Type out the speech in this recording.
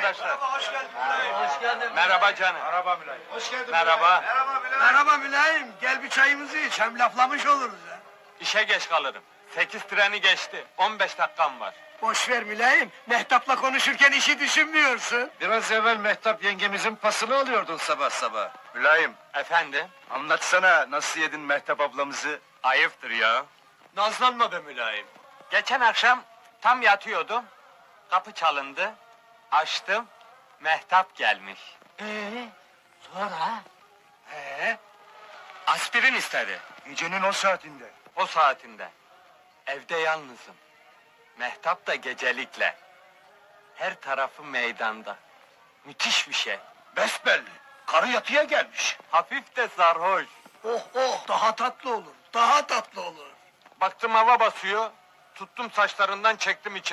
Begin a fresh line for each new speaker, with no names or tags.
arkadaşlar.
Hoş geldin Mülayim.
Hoş geldin.
Merhaba canım.
Merhaba Mülayim. Hoş geldin
Merhaba.
Merhaba Mülayim.
Merhaba Mülayim. Gel bir çayımızı iç. Hem laflamış oluruz ha.
İşe geç kalırım. 8 treni geçti. 15 dakikam var.
Boş ver Mülayim. Mehtap'la konuşurken işi düşünmüyorsun.
Biraz evvel Mehtap yengemizin pasını alıyordun sabah sabah.
Mülayim,
Efendim?
anlatsana nasıl yedin Mehtap ablamızı?
Ayıptır ya. Nazlanma be mülayim. Geçen akşam tam yatıyordum. Kapı çalındı. Açtım. Mehtap gelmiş.
Sonra?
Aspirin istedi.
Gecenin o saatinde.
O saatinde. Evde yalnızım. Mehtap da gecelikle. Her tarafı meydanda. Müthiş bir şey.
Besbelli, karı yatıya gelmiş.
Hafif de sarhoş.
Oh oh, daha tatlı olur. Daha tatlı olur.
Baktım hava basıyor. Tuttum saçlarından çektim içeri.